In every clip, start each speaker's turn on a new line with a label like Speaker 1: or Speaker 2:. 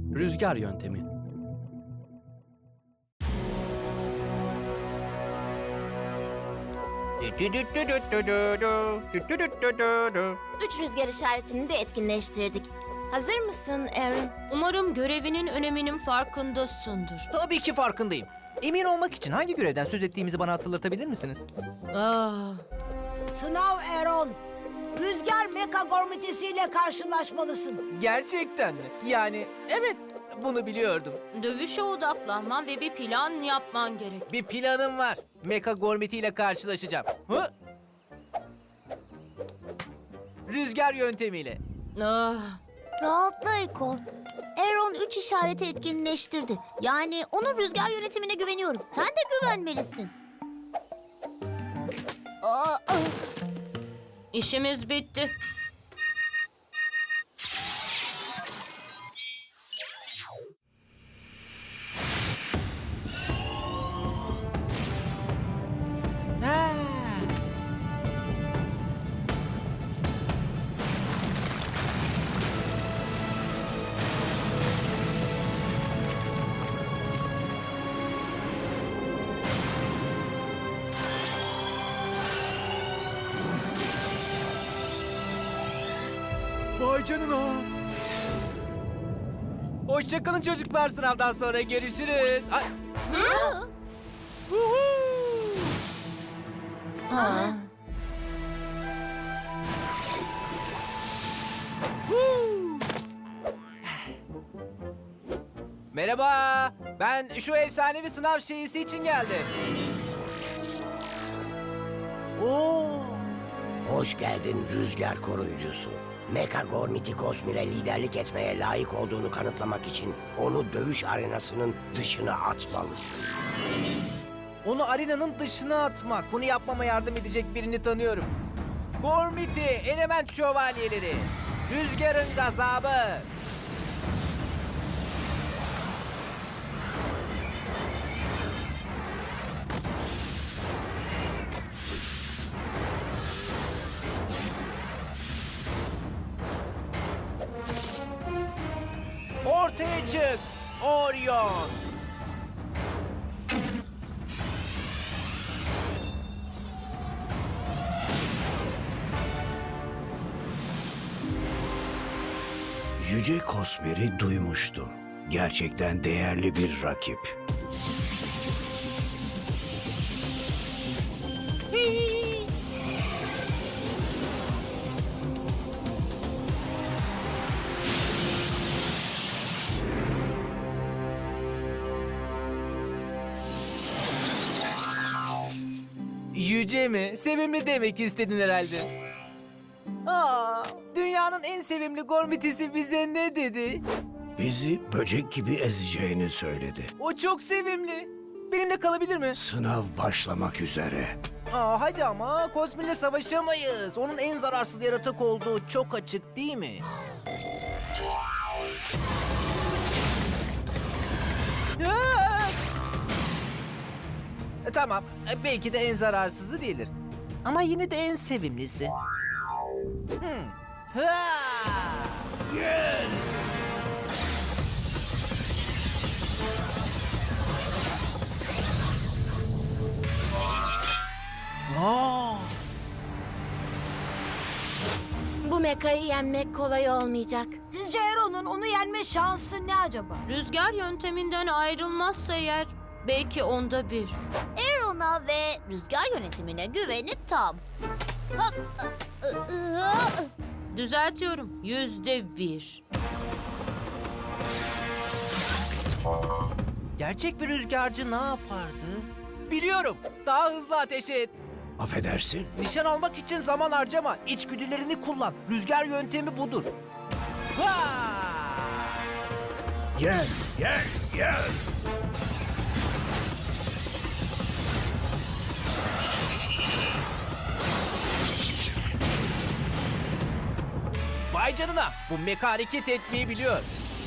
Speaker 1: Rüzgar yöntemi.
Speaker 2: Üç rüzgar işaretini de etkinleştirdik. Hazır mısın Aaron?
Speaker 3: Umarım görevinin öneminin farkındasındır.
Speaker 4: Tabii ki farkındayım. Emin olmak için hangi görevden söz ettiğimizi bana hatırlatabilir misiniz?
Speaker 3: Ah,
Speaker 5: Sınav Aaron. Rüzgar Meka Gormitesi'yle karşılaşmalısın.
Speaker 4: Gerçekten mi? Yani evet, bunu biliyordum.
Speaker 3: dövüşe odaklanman ve bir plan yapman gerek.
Speaker 4: Bir planım var. Mecha Gormiti ile karşılaşacağım. Hı? Rüzgar yöntemiyle.
Speaker 3: Ah,
Speaker 2: Rahatla Ekor. Aaron 3 işareti etkinleştirdi. Yani onun rüzgar yönetimine güveniyorum. Sen de güvenmelisin. Aa,
Speaker 3: işimiz bitti.
Speaker 4: Ha. Vay canına. Hoşçakalın çocuklar, sınavdan sonra görüşürüz. Ay. Huhu. Huu. Merhaba, ben şu efsanevi sınav şeysi için geldim. Oo.
Speaker 6: Hoş geldin rüzgar koruyucusu. Mecha Gormiti Cosmir'e liderlik etmeye layık olduğunu kanıtlamak için onu dövüş arenasının dışına atmalısın.
Speaker 4: Onu arenanın dışına atmak. Bunu yapmama yardım edecek birini tanıyorum. Gormiti, element şövalyeleri. Rüzgarın gazabı. Ortaya çık, Orion.
Speaker 6: Yüce Cosmir'i duymuştum. Gerçekten değerli bir rakip.
Speaker 4: Yüce mi? Sevimli demek istedin herhalde. Aa, dünyanın en sevimli Gormitisi bize ne dedi?
Speaker 6: Bizi böcek gibi ezeceğini söyledi.
Speaker 4: O çok sevimli. Benimle kalabilir mi?
Speaker 6: Sınav başlamak üzere.
Speaker 4: Aa, hadi ama Cosmir'le savaşamayız. Onun en zararsız yaratık olduğu çok açık değil mi? Aa! Tamam, belki de en zararsızı değildir. Ama yine de en sevimlisi. Ha! Aa!
Speaker 2: bu mekayı yenmek kolay olmayacak.
Speaker 5: Sizce Aaron'un onu yenme şansı ne acaba?
Speaker 3: Rüzgar yönteminden ayrılmazsa eğer belki onda bir.
Speaker 2: Aaron'a ve rüzgar yönetimine güveni tam.
Speaker 3: Düzeltiyorum, %1.
Speaker 4: Gerçek bir rüzgarcı ne yapardı? Biliyorum. Daha hızlı ateş et.
Speaker 6: Affedersin.
Speaker 4: Nişan almak için zaman harcama. İçgüdülerini kullan. Rüzgar yöntemi budur. Ha!
Speaker 6: Gel, gel, gel.
Speaker 4: Vay canına. Bu meka hareket etmeyi biliyor.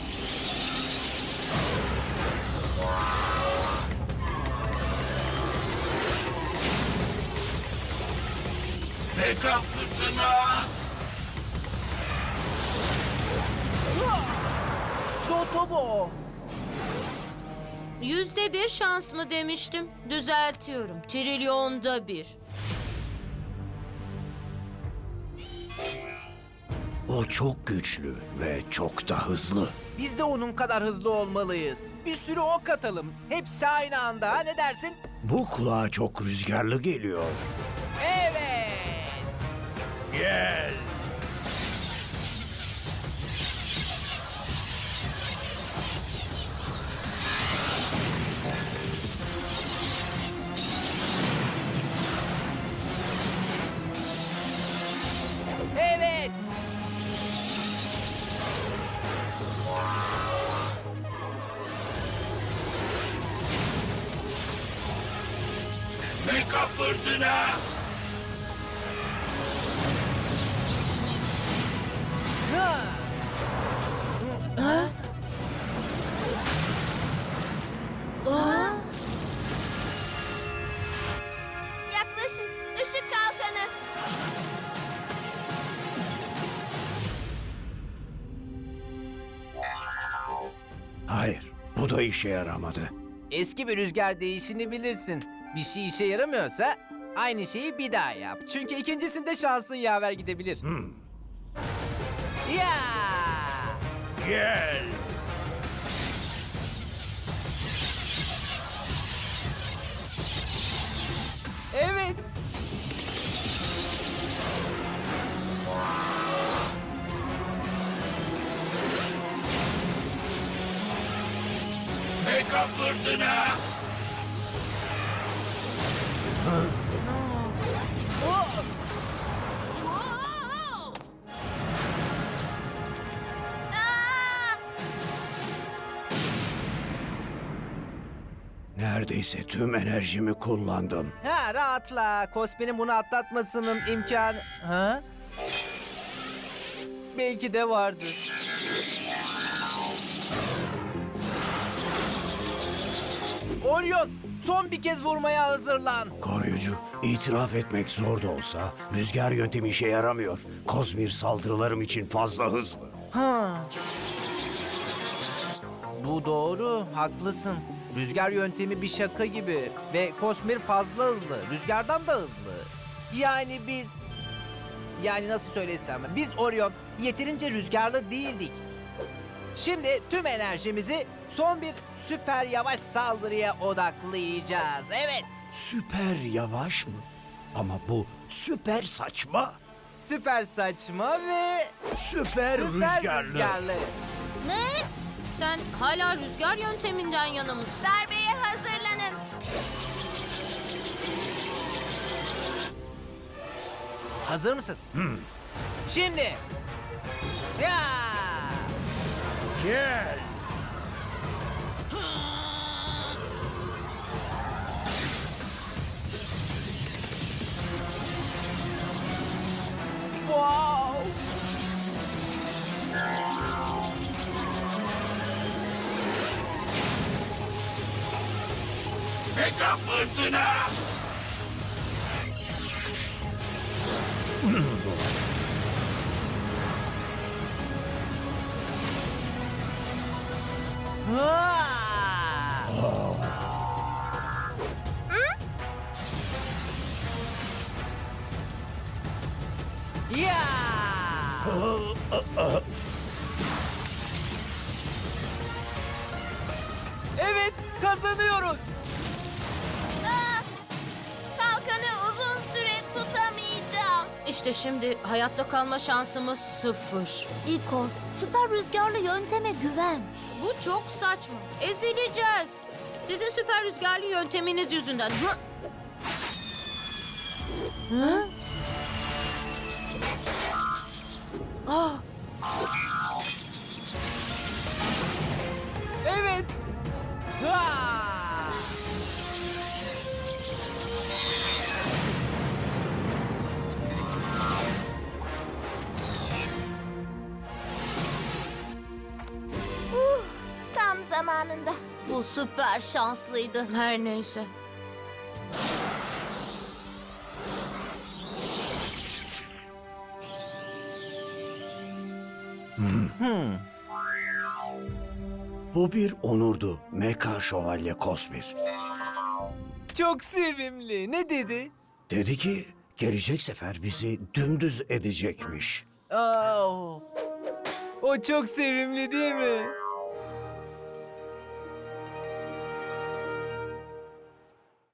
Speaker 7: Mega fırtına!
Speaker 4: Otobo.
Speaker 3: %1 şans mı demiştim? Düzeltiyorum. Trilyonda bir.
Speaker 6: O çok güçlü ve çok da hızlı.
Speaker 4: Biz de onun kadar hızlı olmalıyız. Bir sürü ok atalım. Hepsi aynı anda. Ha, ne dersin?
Speaker 6: Bu kulağa çok rüzgarlı geliyor.
Speaker 4: Evet.
Speaker 6: Gel.
Speaker 4: Evet.
Speaker 7: Mega fırtına.
Speaker 4: Ha.
Speaker 2: Yaklaşın. Işık kalkanı.
Speaker 6: Hayır, bu da işe yaramadı.
Speaker 4: Eski bir rüzgar değişini bilirsin. Bir şey işe yaramıyorsa aynı şeyi bir daha yap. Çünkü ikincisinde şansın yaver gidebilir. Ya!
Speaker 6: Gel.
Speaker 4: Evet.
Speaker 7: Mega fırtına.
Speaker 6: Neredeyse tüm enerjimi kullandım.
Speaker 4: Ha, rahatla. Cosmi'nin bunu atlatmasının imkanı... Ha? Belki de vardır. Orion, son bir kez vurmaya hazırlan.
Speaker 6: Koruyucu, itiraf etmek zor da olsa rüzgar yöntemi işe yaramıyor. Kozmir saldırılarım için fazla hızlı.
Speaker 4: Ha. Bu doğru, haklısın. Rüzgar yöntemi bir şaka gibi ve Cosmir fazla hızlı, rüzgardan da hızlı. Yani biz... Yani nasıl söylesem, biz Orion yeterince rüzgarlı değildik. Şimdi tüm enerjimizi son bir süper yavaş saldırıya odaklayacağız. Evet,
Speaker 6: Süper yavaş mı? Ama bu süper saçma.
Speaker 4: süper saçma ve
Speaker 6: Süper,
Speaker 4: süper
Speaker 6: rüzgarlı.
Speaker 4: rüzgarlı.
Speaker 2: Ne?
Speaker 3: Sen hala rüzgar yönteminden yana mısın?
Speaker 2: Darbeye hazırlanın.
Speaker 4: Hazır mısın? Şimdi. Ya!
Speaker 6: Gel.
Speaker 4: Wow!
Speaker 7: Mega fırtına.
Speaker 4: Ha! Ya! Evet, kazanıyoruz.
Speaker 2: Kalkanı uzun süre tutamayacağım.
Speaker 3: İşte şimdi hayatta kalma şansımız 0.
Speaker 2: İko, süper rüzgarlı yönteme güven.
Speaker 3: Bu çok saçma. Ezileceğiz. Sizin süper rüzgarlı yönteminiz yüzünden. Hı! Ah,
Speaker 4: Evet. Ha!
Speaker 2: Tam zamanında. Bu süper şanslıydı.
Speaker 3: her neyse.
Speaker 1: Bu bir onurdu Meka Şövalye Kosmir.
Speaker 4: Çok sevimli. Ne dedi?
Speaker 1: Dedi ki gelecek sefer bizi dümdüz edecekmiş.
Speaker 4: Aa, o çok sevimli değil mi?